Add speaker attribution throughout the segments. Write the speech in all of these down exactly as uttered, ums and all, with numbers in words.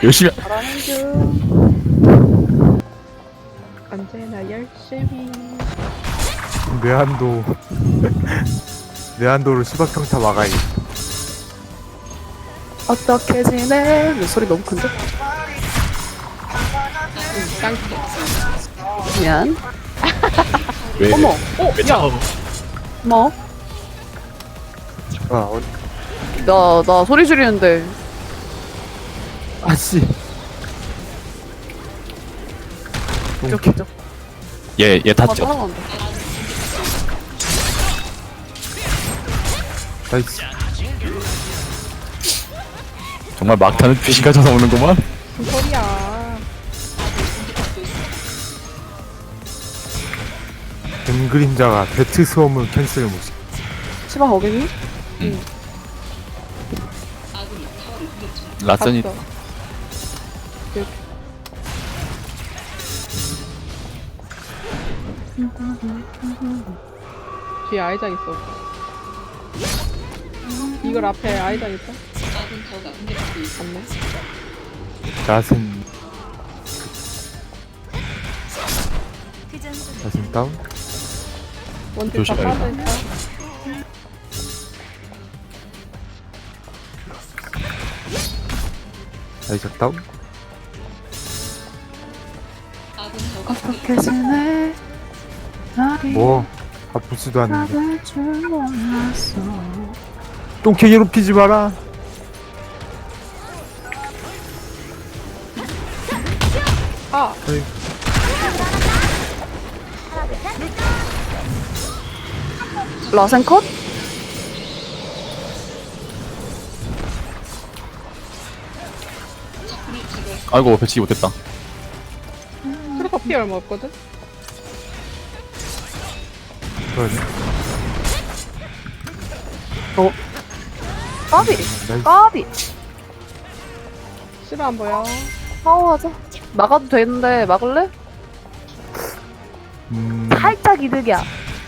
Speaker 1: 열심히.
Speaker 2: 잘하는 중. 언제나 열심히.
Speaker 3: 내한도 내한도로 시각평타 막아야겠다.
Speaker 2: 어떻게 지내? 내 소리 너무 큰데? 깡패. 미안.
Speaker 1: 왜?
Speaker 2: 어머. 어,
Speaker 1: 왜
Speaker 2: 야.
Speaker 1: 차가워?
Speaker 2: 뭐?
Speaker 3: 아, 어,
Speaker 2: 나, 나 소리 지르는데.
Speaker 3: 아씨.
Speaker 2: 이렇게, 이렇게.
Speaker 1: 얘, 얘
Speaker 2: 아,
Speaker 1: 탔죠?
Speaker 2: 따라간다.
Speaker 3: 나이스.
Speaker 1: 정말 막타는 귀신가 쳐서 오는구만?
Speaker 2: 무슨 소리야.
Speaker 3: 뱀 그림자가 배트 수험을 캔슬 못시.
Speaker 2: 시방 어겠니?
Speaker 1: 라센이
Speaker 2: 갔어. 이렇게. 뒤에 아이작 있어. 이걸 앞에 아이작 있다? 맞네.
Speaker 3: 나센. 나센 다운.
Speaker 2: 원딜 다
Speaker 1: 조심, 아이고.
Speaker 2: 빠져있다.
Speaker 3: 나이스 다운.
Speaker 2: 어떻게 지내?
Speaker 3: 뭐 아프지도 않는데.
Speaker 2: 나를 줄 몰랐어.
Speaker 3: 똥개 괴롭히지 마라.
Speaker 2: 아!
Speaker 3: 어이.
Speaker 2: 라센 컷?
Speaker 1: 아이고, 배치기 못했다.
Speaker 2: 트루퍼 피 얼마 없거든?
Speaker 3: 그러네.
Speaker 2: 어? 까비!
Speaker 3: 나이스.
Speaker 2: 까비! 싫어 안 보여. 파워하자. 막아도 되는데 막을래?
Speaker 3: 음.
Speaker 2: 살짝 이득이야.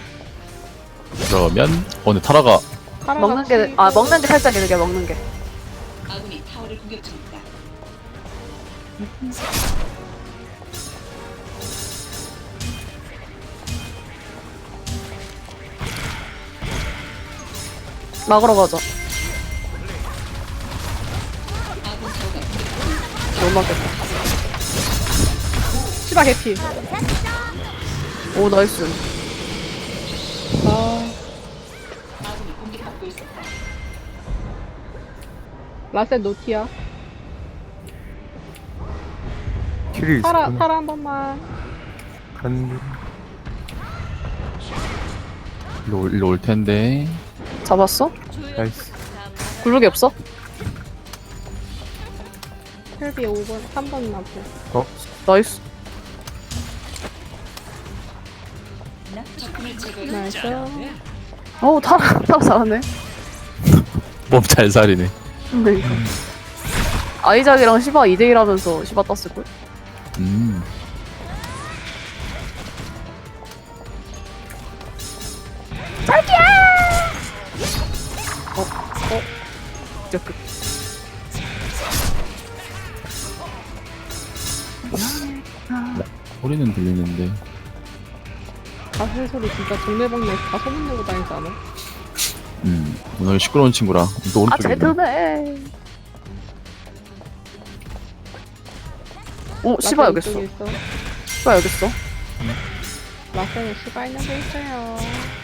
Speaker 1: 그러면, 어, 근데 타라가,
Speaker 2: 먹는 게, 아, 먹는 게 살짝 이득이야, 먹는 게.
Speaker 4: 아군이 타워를 공격 중이다.
Speaker 2: 막으러 가자.
Speaker 4: 아군 타워가
Speaker 2: 못 막겠다. 시바 개피. 오, 나이스. 아.
Speaker 4: 아군이 공격받고 있었다.
Speaker 2: 라센 노티야.
Speaker 3: 킬이
Speaker 2: 타라,
Speaker 3: 있었구나.
Speaker 2: 타라 한 번만.
Speaker 3: 간.
Speaker 1: 일로, 올- 일로 올 텐데.
Speaker 2: 잡았어?
Speaker 3: 나이스.
Speaker 2: 굴룩이 없어? 헬비 오 번, 삼 번 나고.
Speaker 3: 어?
Speaker 2: 나이스.
Speaker 4: 적군을 제거해
Speaker 2: 나이스. 어우, 타라, 타라 잘하네.
Speaker 1: 몸 잘 살이네.
Speaker 2: 네. 아이작이랑 시바 이 대 일 하면서 시바 땄을걸?
Speaker 1: 음.
Speaker 2: 진짜 끝.
Speaker 1: 소리는 들리는데.
Speaker 2: 가슬 소리 진짜 동네방네 다 소문내고 다니지 않아?
Speaker 1: 음. 오늘 시끄러운 친구라. 또
Speaker 2: 아,
Speaker 1: 오른쪽에.
Speaker 2: 잘
Speaker 1: 있네.
Speaker 2: 드네. 어, 시바 여기 있어.
Speaker 4: 음.
Speaker 2: 있어. 시바 여기 있어. 라센에 시바 있는 데 있어요.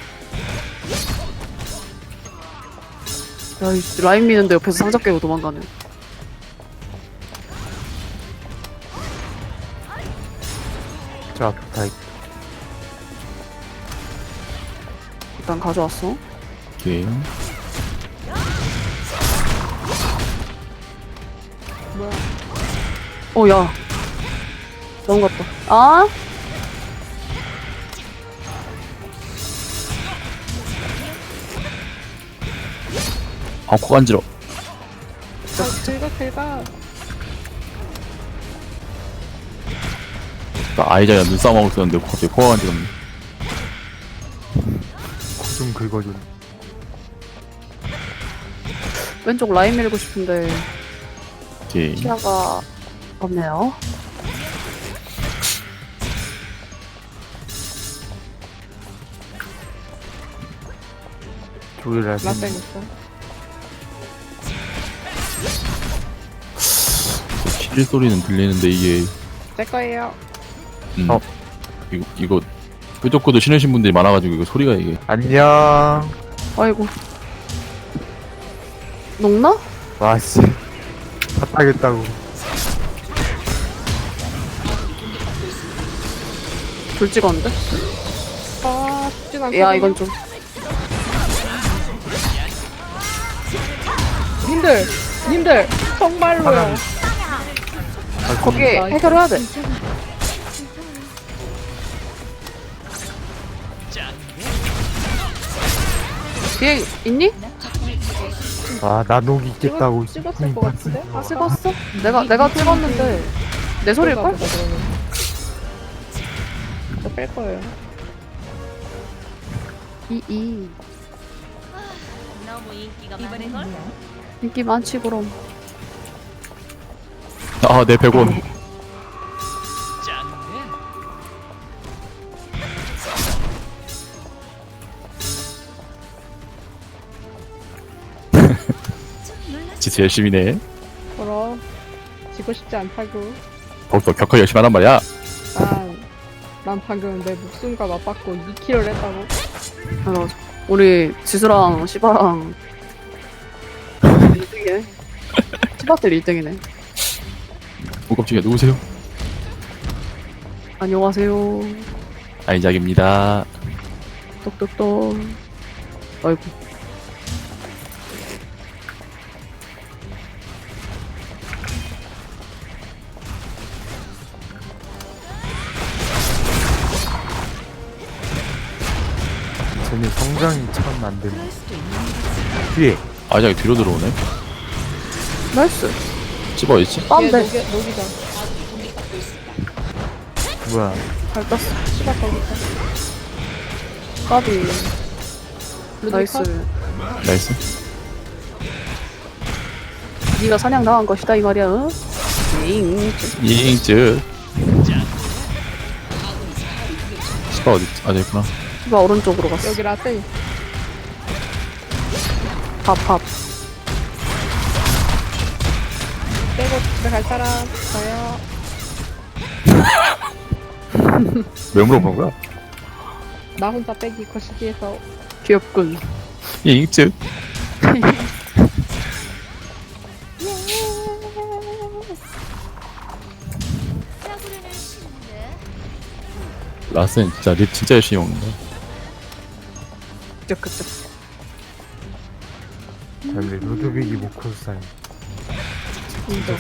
Speaker 2: 야, 이 라인 미는데 옆에서 상자 깨고 도망가네.
Speaker 3: 저 앞에 다 있.
Speaker 2: 일단 가져왔어.
Speaker 1: 오케이.
Speaker 2: 뭐야? 어, 야. 넘어갔다. 아?
Speaker 1: 아, 코 간지러.
Speaker 2: 긁어, 긁어.
Speaker 1: 나 아이자야 눈싸움하고 있었는데 갑자기 코가 간지럽네.
Speaker 3: 코 좀 긁어줘.
Speaker 2: 왼쪽 라인 밀고 싶은데
Speaker 1: 오케이.
Speaker 2: 시야가 없네요.
Speaker 3: 조율할 수
Speaker 2: 라센
Speaker 3: 있는.
Speaker 2: 있어.
Speaker 1: 킬 소리는 들리는데 이게
Speaker 2: 제 거예요.
Speaker 1: 음,
Speaker 3: 어.
Speaker 1: 이거 이거 뾰족구도 신으신 분들이 많아가지고 이거 소리가 이게
Speaker 3: 안녕.
Speaker 2: 아이고. 녹나?
Speaker 3: 와씨. 다 따겠다고.
Speaker 2: 불 찍었는데?
Speaker 5: 아, 쉽진 않거든요.
Speaker 2: 야, 이건 좀.
Speaker 5: 님들, 님들, 정말로요.
Speaker 3: 하나.
Speaker 2: 거기 해결해야 돼. 뒤에 있니?
Speaker 3: 아, 나 녹이 있겠다고.
Speaker 5: 찍었, 찍었을 것 같은데?
Speaker 2: 아, 찍었어? 내가, 내가 찍었는데. 내 소리일걸?
Speaker 5: 저뺄 거예요.
Speaker 2: 이, 이.
Speaker 6: 너무 인기가 많은 걸?
Speaker 2: 인기 많지, 그럼.
Speaker 1: 아내 백 원 진짜 열심히 해
Speaker 5: 그럼, 지고 싶지 않다고.
Speaker 1: 더욱더 격하게 열심히 하란 말이야.
Speaker 5: 난, 난 방금 내 목숨과 맞받고 이 킬을 했다고.
Speaker 2: 아, 맞아. 우리 지수랑 시바랑 일 등이네. 시바들 일 등이네.
Speaker 1: 오 깜짝이야 누구세요?
Speaker 2: 안녕하세요.
Speaker 1: 아이작입니다.
Speaker 2: 똑똑똑. 아이고.
Speaker 3: 쟤네 성장이 참 안 되네. 뒤에.
Speaker 1: 아이작이 뒤로 들어오네.
Speaker 2: 나이스.
Speaker 1: 찝어 있지?
Speaker 5: 얘
Speaker 2: 빰데.
Speaker 5: 녹이, 녹이자.
Speaker 3: 뭐야.
Speaker 2: 잘 땄어.
Speaker 5: 시작 거기 있다.
Speaker 2: 까비. 나이스.
Speaker 5: 컷?
Speaker 1: 나이스.
Speaker 2: 네가 사냥 당한 것이다 이 말이야. 응? 잉.
Speaker 1: 잉즈. 시바 어디 있지? 아 저기 있구나.
Speaker 2: 시바 오른쪽으로 갔어.
Speaker 5: 여기 라센.
Speaker 2: 밥, 밥.
Speaker 5: 빼고 집에 갈 사람. 저요.
Speaker 1: 왜 물어보는 거야?
Speaker 5: 나 혼자 빼기 거시기에서.
Speaker 2: 귀엽군.
Speaker 1: 잉즈.
Speaker 6: 짜구리는 싫은데.
Speaker 1: 라센 진짜 립 진짜 열심히 먹는다.
Speaker 2: 그쵸, 그쵸.
Speaker 3: 근데 루드빅이 모코스사이.
Speaker 5: 인정.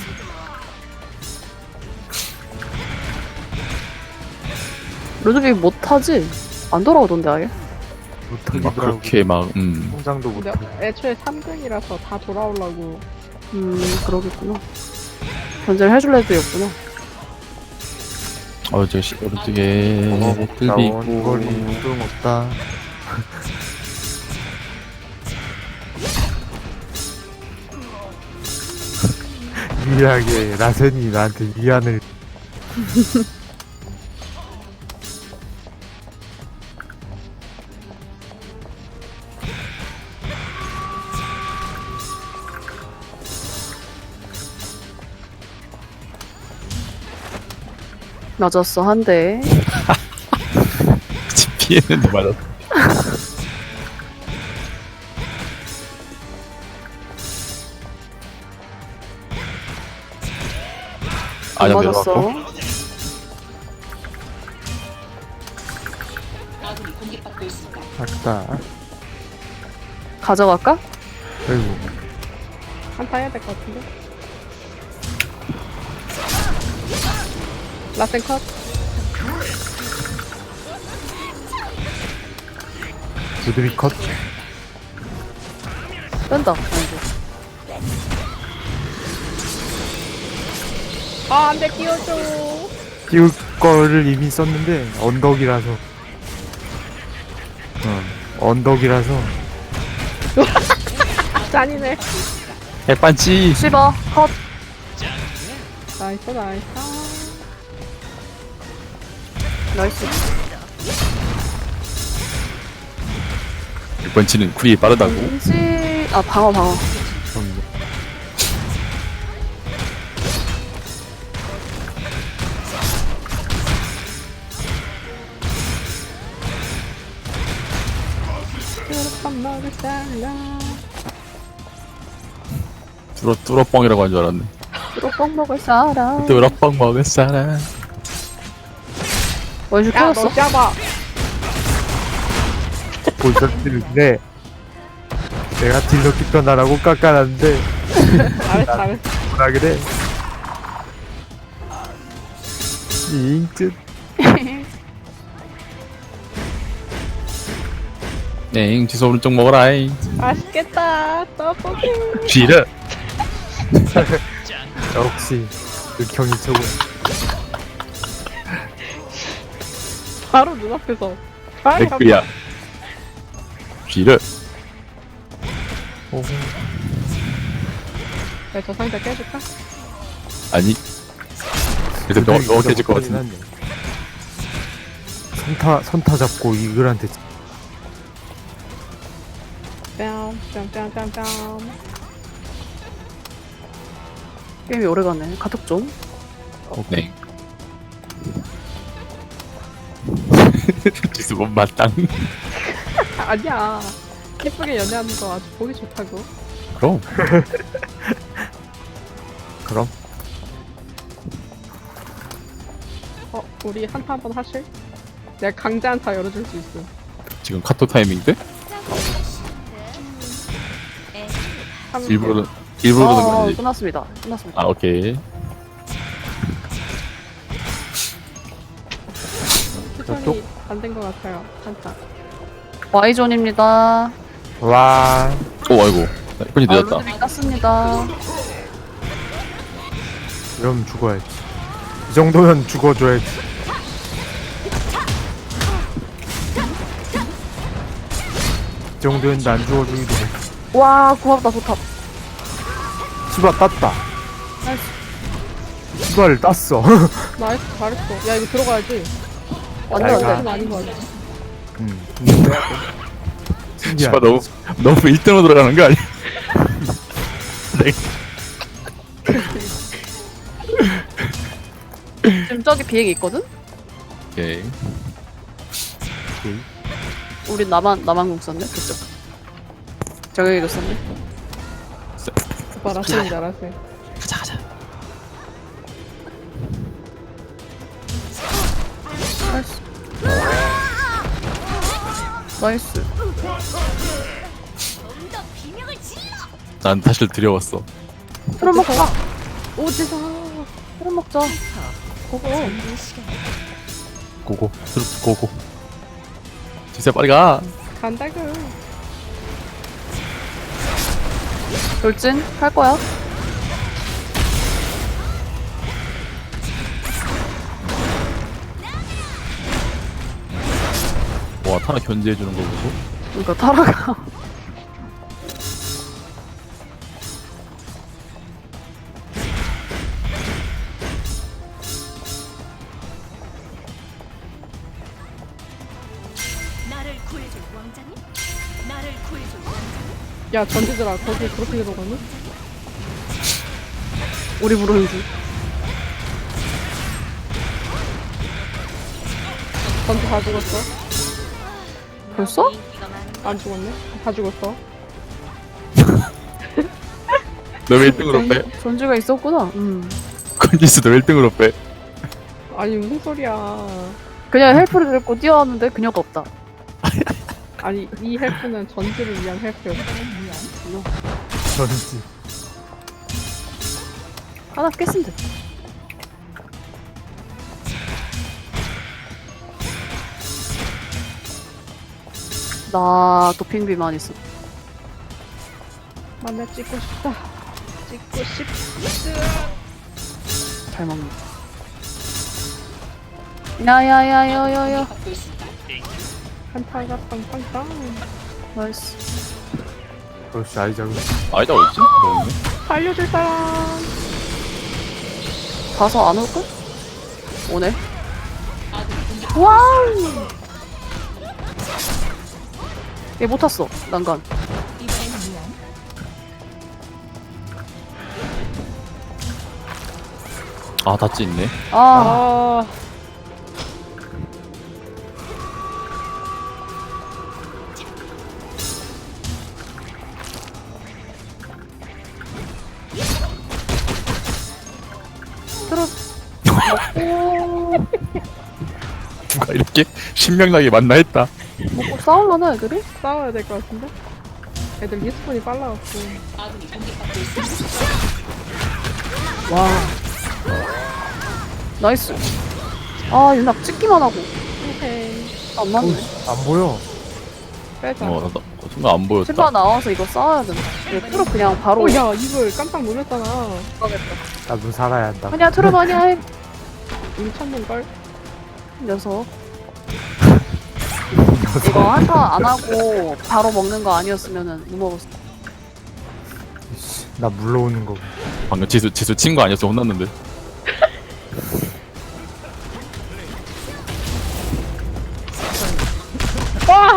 Speaker 2: 루드빅 못하지? 안 돌아오던데 아예?
Speaker 3: 못하기도
Speaker 1: 막
Speaker 3: 하고.
Speaker 1: 그렇게 막 음.
Speaker 3: 성장도
Speaker 5: 근데
Speaker 3: 못하고.
Speaker 5: 애초에 삼 등이라서 다 돌아오려고.
Speaker 2: 음, 그러겠구나. 견제를 해줄 애들이 없구나.
Speaker 1: 어 저기 시- 오른쪽에 틀비
Speaker 3: 나온 거리
Speaker 1: 있고
Speaker 3: 소용없다. 미안하게 라센이 나한테 위안을.
Speaker 2: 맞았어, 한 대.
Speaker 1: 피했는데 맞았어. 아작
Speaker 2: 맞았어.
Speaker 1: 내려왔고
Speaker 4: 아군이 공격받고 있습니다.
Speaker 3: 아까.
Speaker 2: 가져갈까?
Speaker 3: 아이고.
Speaker 5: 한타 해야 될 것 같은데. 라센 컷.
Speaker 3: 루드빅 컷.
Speaker 2: 뺀다. 아이고.
Speaker 5: 아, 안 돼, 끼워줘.
Speaker 3: 띄울 거를 이미 썼는데 언덕이라서. 어, 언덕이라서.
Speaker 5: 잔이네.
Speaker 1: 해빤치
Speaker 2: 시바, 컷.
Speaker 5: 나이스 나이스.
Speaker 2: 나이스.
Speaker 1: 육 번 치는 쿨이 빠르다고.
Speaker 2: 왠지 아 방어 방어.
Speaker 3: 그럼요.
Speaker 5: 밥 먹을 사람.
Speaker 1: 뚫어 뚫어뻥이라고 한 줄 알았네.
Speaker 2: 뚜껑 먹을 사람.
Speaker 1: 뚫어뻥 먹을 사람.
Speaker 2: 원슈
Speaker 5: 야,
Speaker 2: 터졌어.
Speaker 5: 너 잡아.
Speaker 3: 보셨는데 내가 딜러기 떠나라고 깎아놨는데
Speaker 5: 잘했어 잘했어.
Speaker 3: 뭐라 그래? 잉뜻
Speaker 1: 네, 지수 오른쪽 먹어라잉.
Speaker 5: 맛있겠다. 떡볶이.
Speaker 1: 쥐르.
Speaker 3: 역시 극형이 최고.
Speaker 5: 바로 눈앞에서. 빨리 한
Speaker 1: 댓글이야. 쥐르.
Speaker 3: 오,
Speaker 5: 야, 저 상자 깨줄까?
Speaker 1: 아니. 그래도 명, 명확해질 것 같은데.
Speaker 3: 하네. 선타 선타 잡고 이글한테
Speaker 5: 뺨, 뺨, 뺨, 뺨, 뺨.
Speaker 2: 게임이 오래가네. 카톡 좀.
Speaker 1: 네. 지수 못 마땅.
Speaker 5: 아니야. 예쁘게 연애하는 거 아주 보기 좋다고.
Speaker 1: 그럼.
Speaker 3: 그럼
Speaker 5: 어, 우리 한타 한번 하실? 내가 강제 한타 열어줄 수 있어.
Speaker 1: 지금 카톡 타이밍 때?
Speaker 5: 한-
Speaker 1: 일부러 일부러 그러는
Speaker 2: 어,
Speaker 1: 거지.
Speaker 2: 끝났습니다. 끝났습니다.
Speaker 1: 아 오케이.
Speaker 5: 추천이 안 된 것 같아요. 한타.
Speaker 2: Y존입니다.
Speaker 3: 와
Speaker 1: 오 아이고. 이건이
Speaker 2: 아,
Speaker 1: 늦었다.
Speaker 2: 루드빅 땄습니다.
Speaker 3: 이러면 죽어야지. 이 정도면 죽어줘야지. 이 정도면 난 죽어주기도 해.
Speaker 2: 와, 고맙다, 좋다.
Speaker 3: 시바 땄다. 시바를 땄어.
Speaker 5: 나이스, 잘했어. 야, 이거 들어가야지.
Speaker 2: 완전
Speaker 3: 잘 가.
Speaker 2: 안 돼.
Speaker 5: 아닌 거 같아.
Speaker 3: 음.
Speaker 1: 씨발
Speaker 3: 신기하다.
Speaker 1: 너무 너무 일 등으로 들어가는 거 아니야?
Speaker 2: 지금 저기 비행기 있거든?
Speaker 1: 오케이.
Speaker 2: 우리 나만, 나만 공 썼네? 그쪽. 저기도 썼네?
Speaker 5: 오빠 라스인 줄 알았어요.
Speaker 1: 가자 가자.
Speaker 2: 나이스. 나이스.
Speaker 1: 난 사실 두려웠어.
Speaker 2: 그럼 먹자.
Speaker 5: 오지사.
Speaker 2: 그럼 먹자. 고고.
Speaker 1: 고고. 트루프 고고. 지수야 빨리 가.
Speaker 5: 간다구.
Speaker 2: 돌진? 할 거야?
Speaker 1: 와 타나 견제해주는 거 보고.
Speaker 2: 그러니까 타라가.
Speaker 6: 나를 구해줄 왕자님? 나를 구해줄 왕자님?
Speaker 5: 야, 전지들아, 거기 그렇게 들어가니?
Speaker 2: 우리 부르는 줄.
Speaker 5: 전지 다 죽었어?
Speaker 2: 벌써?
Speaker 5: 안 죽었네? 다 죽었어.
Speaker 1: 너 왜 일 등으로 빼?
Speaker 2: 전지가 있었구나. 음.
Speaker 1: 컨디스 너 일 등으로 빼.
Speaker 5: 아니, 무슨 소리야.
Speaker 2: 그냥 헬프를 들고 뛰어왔는데 그녀가 없다.
Speaker 5: 아니, 이 헬프는 전지를 위한 헬프였어.
Speaker 3: 전지.
Speaker 2: 하나 깼으면 돼. 나 도핑비만 있어.
Speaker 5: 만나 찍고 싶다. 찍고 싶.
Speaker 2: 잘 먹네. 야야야야야야.
Speaker 4: 받고 있습니다.
Speaker 5: 한타가 빵빵빵.
Speaker 2: 나이스.
Speaker 3: 그렇지 아이작은
Speaker 1: 아니다 어딨지? 너 없네.
Speaker 5: 살려줄 사람.
Speaker 2: 가서 안 올걸? 오네. 와우! 얘 못 탔어, 난간.
Speaker 6: 이번엔 미안.
Speaker 1: 아 닷지 있네.
Speaker 2: 아,
Speaker 5: 아,
Speaker 1: 누가 이렇게 신명나게 만나 했다.
Speaker 2: 먹고 싸울라나, 애들이?
Speaker 5: 싸워야 될 것 같은데? 애들 리스폰이 빨라갖고.
Speaker 4: 아군이 공격받고 있습니다.
Speaker 2: 와. 나이스. 아, 윤낙 찍기만 하고.
Speaker 5: 오케이.
Speaker 2: 안 맞네.
Speaker 3: 안 보여.
Speaker 5: 빼자.
Speaker 1: 어, 나, 나 순간 안 보였다.
Speaker 2: 실바 나와서 이거 싸워야 된다. 얘 트로 그냥 바로.
Speaker 5: 오, 야, 이걸 깜짝 놀랐잖아.
Speaker 3: 나도 살아야 한다.
Speaker 2: 아니야, 트로 아니야, 해.
Speaker 5: 미쳤는걸?
Speaker 2: 녀석. 이거 한타 안 하고 바로 먹는 거 아니었으면은 못 먹었어.
Speaker 3: 이씨, 나 물러오는 거.
Speaker 1: 방금 지수 지수 친 거 아니었어 혼났는데.
Speaker 5: 와!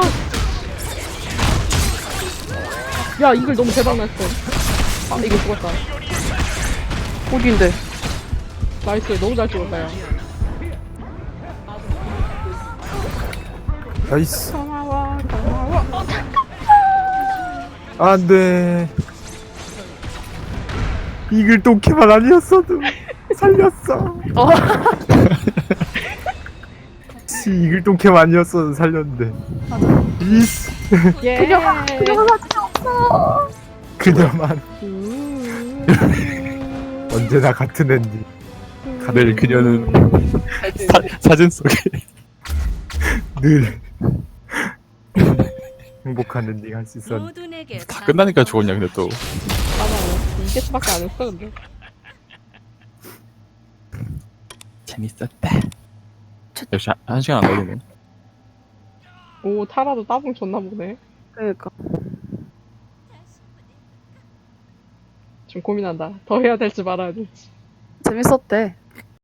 Speaker 5: 야, 이걸 너무 대박 났어. 아, 이거 죽었다.
Speaker 2: 어디인데?
Speaker 5: 나이스, 너무 잘 죽었다, 야.
Speaker 3: 나이스.
Speaker 5: 고마워, 고마워.
Speaker 3: 안 돼. 이글 똥캐만 아니었어도 살렸어.
Speaker 2: 어.
Speaker 3: 씨, 이글 똥캐만 아니었어도 살렸는데. 이씨.
Speaker 5: 예.
Speaker 2: 그녀가, 그녀가 사진이 없어.
Speaker 3: 그녀만
Speaker 5: 음.
Speaker 3: 언제나 같은 앤디.
Speaker 1: 늘 그녀는 사, 사진 속에
Speaker 3: 늘 행복한 엔딩 할 수 있었는데.
Speaker 6: 모두 내게
Speaker 1: 다 끝나니까 죽었냐 근데 또.
Speaker 5: 맞아, 이게 수밖에 안 했어, 근데.
Speaker 1: 재밌었다. 역시 한, 한 시간 안 걸리네.
Speaker 5: 오, 타라도 따봉 줬나 보네.
Speaker 2: 그러니까.
Speaker 5: 지금 고민한다. 더 해야 될지 말아야 될지.
Speaker 2: 재밌었대.